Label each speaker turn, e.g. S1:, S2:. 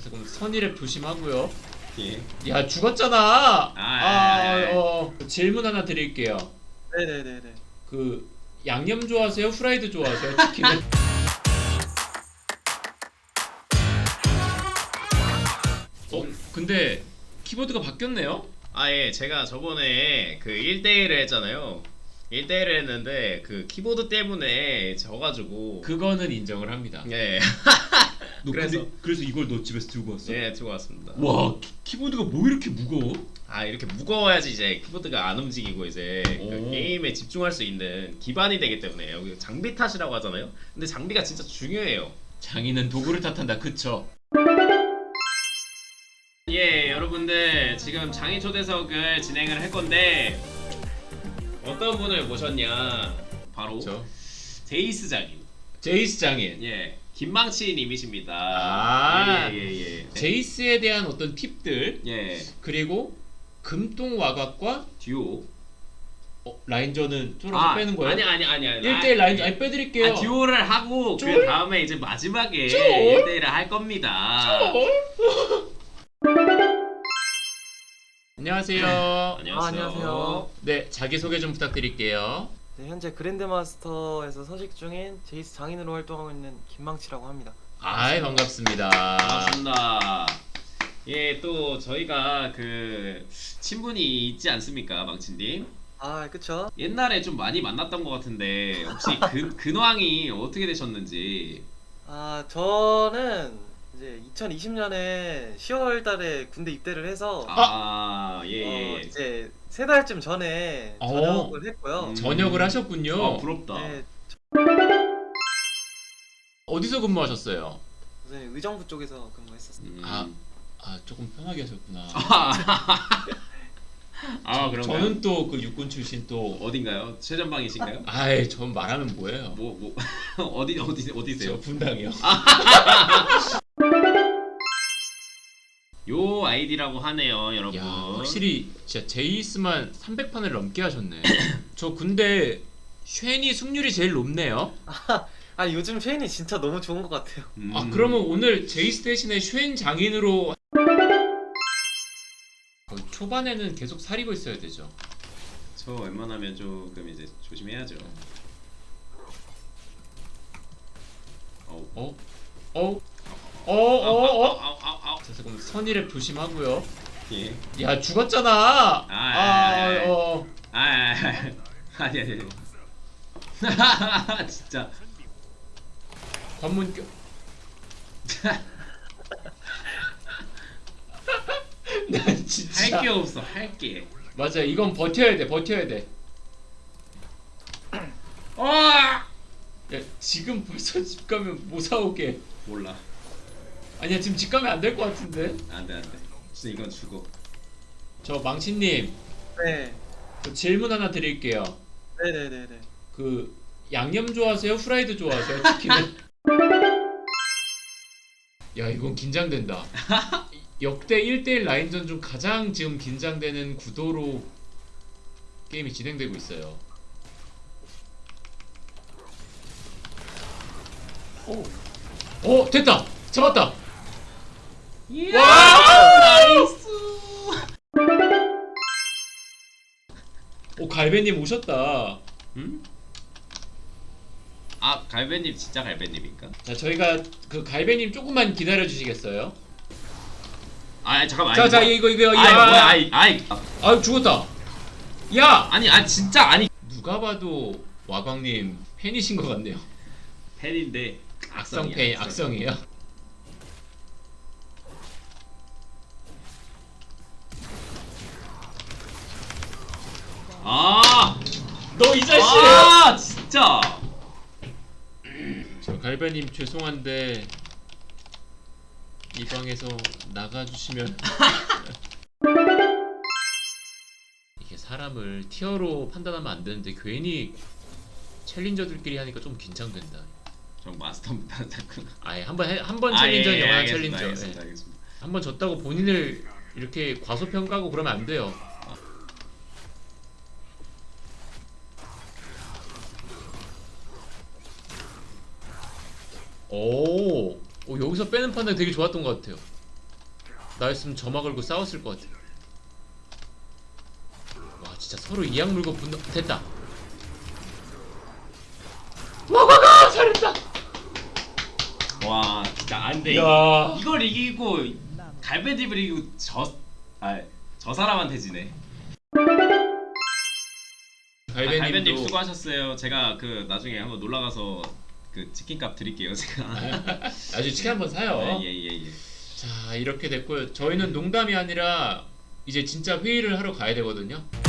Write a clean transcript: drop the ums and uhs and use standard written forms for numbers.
S1: 그럼 선의를 조심하고요.
S2: 예.
S1: 야 죽었잖아.
S2: 아,
S1: 질문 하나 드릴게요.
S3: 네네네네.
S1: 그 양념 좋아하세요? 후라이드 좋아하세요? 치킨은? 근데 키보드가 바뀌었네요?
S2: 예, 제가 저번에 그 1대1을 했잖아요. 1대1을 했는데 그 키보드 때문에 져가지고
S1: 그거는 인정을 합니다.
S2: 예.
S1: 그래서 이걸 너 집에서 들고 왔어?
S2: 예, 들고 왔습니다.
S1: 와, 키보드가 뭐 이렇게 무거워?
S2: 이렇게 무거워야지 이제 키보드가 안 움직이고 이제 그
S1: 오.
S2: 게임에 집중할 수 있는 기반이 되기 때문에 여기 장비 탓이라고 하잖아요. 근데 장비가 진짜 중요해요.
S1: 장인은 도구를 탓한다, 그쵸?
S2: 예, 여러분들 지금 장애 초대석을 진행을 할 건데 어떤 분을 모셨냐? 바로
S1: 그쵸?
S2: 제이스 장인.
S1: 제이스 장인.
S2: 예, 김망치님이십니다.
S1: 아.
S2: 예.
S1: 제이스에 대한 어떤 팁들,
S2: 예,
S1: 그리고 금동 와각과
S2: 듀오.
S1: 라인전은 쫄아서 빼는 거예요?
S2: 아니.
S1: 1대1 라인전, 아니 빼드릴게요.
S2: 듀오를 하고 그
S1: 쫄?
S2: 다음에 이제 마지막에
S1: 쫄?
S2: 1대1을 할 겁니다.
S1: 안녕하세요.
S3: 안녕하세요.
S1: 네, 자기소개 좀 부탁드릴게요.
S3: 네, 현재 그랜드마스터에서 서식 중인 제이스 장인으로 활동하고 있는 김망치라고 합니다.
S1: 아이, 반갑습니다.
S2: 반갑습니다. 예, 또 저희가 그 친분이 있지 않습니까, 망치님?
S3: 아, 그쵸?
S2: 옛날에 좀 많이 만났던 것 같은데 혹시 근황이 어떻게 되셨는지.
S3: 아, 저는 이제 2020년에 10월 달에 군대 입대를 해서
S2: 예.
S3: 이제 3달쯤 전에 전역을 했고요.
S1: 전역을 하셨군요.
S2: 부럽다.
S3: 네,
S1: 어디서 근무하셨어요?
S3: 우선 의정부 쪽에서 근무했었어요.
S1: 조금 편하게 하셨구나.
S2: 그런가요?
S1: 저는 또 그 육군 출신 또
S2: 어딘가요? 최전방이신가요?
S1: 아이, 전 말하면 뭐예요?
S2: 뭐 어디세요?
S1: 저 분당이요.
S2: 요 아이디라고 하네요, 여러분.
S1: 야, 확실히 진짜 제이스만 300판을 넘게 하셨네. 저 근데 쉔이 승률이 제일 높네요.
S3: 아니, 요즘 쉐인이 진짜 너무 좋은 것 같아요.
S1: 그러면 오늘 제이스 대신에 쉔 장인으로 초반에는 계속 사리고 있어야 되죠.
S2: 저 웬만하면 조금 이제 조심해야죠.
S1: 자, 그럼 선의를 조심하고요.
S2: 예.
S1: 야 죽었잖아.
S2: 아니. 진짜.
S1: 관문 난 진짜
S2: 할 게 없어, 할 게.
S1: 맞아, 이건 버텨야 돼. 야, 지금 벌써 집 가면 못 사오게.
S2: 몰라.
S1: 아니야, 지금 집 가면 안 될 것 같은데.
S2: 안 돼. 진짜 이건 죽어.
S1: 저 망치님,
S3: 네.
S1: 저 질문 하나 드릴게요.
S3: 네네네네.
S1: 그 양념 좋아하세요? 후라이드 좋아하세요? 치킨은? 야, 이건 긴장된다. 역대 1대1 라인전 중 가장 지금 긴장되는 구도로 게임이 진행되고 있어요. 됐다! 잡았다!
S2: 나이스.
S1: 갈배님 오셨다.
S2: 갈배님 진짜 갈배님인가?
S1: 자, 저희가 그 갈배님 조금만 기다려 주시겠어요?
S2: 잠깐만.
S1: 자, 이거 죽었다. 야!
S2: 진짜
S1: 누가 봐도 와광님 팬이신 것 같네요.
S2: 팬인데
S1: 악성 팬, 악성이에요? 너 이 자식!
S2: 진짜.
S1: 저 갈배님 죄송한데 이 방에서 나가주시면 이게 사람을 티어로 판단하면 안 되는데 괜히 챌린저들끼리 하니까 좀 긴장된다.
S2: 저 마스터입니다. 자꾸.
S1: 한번 챌린저는 영원한 챌린저.
S2: 알겠습니다.
S1: 한번 졌다고 본인을 이렇게 과소평가하고 그러면 안 돼요. 여기서 빼는 판단 되게 좋았던 것 같아요. 나였으면 점화 걸고 싸웠을 것 같아. 와 진짜 서로 이악 물고 분노. 됐다. 와가가 잘했다.
S2: 와 진짜 안돼.
S1: 야.
S2: 이걸 이기고 갈배집을 이기고 저 사람한테 지네. 갈배님
S1: 갈배님도
S2: 수고하셨어요. 제가 그 나중에 한번 놀러 가서 그 치킨값 드릴게요. 제가.
S1: 아주 치킨 한번 사요.
S2: 예예예.
S1: 자 이렇게 됐고요. 저희는 농담이 아니라 이제 진짜 회의를 하러 가야 되거든요.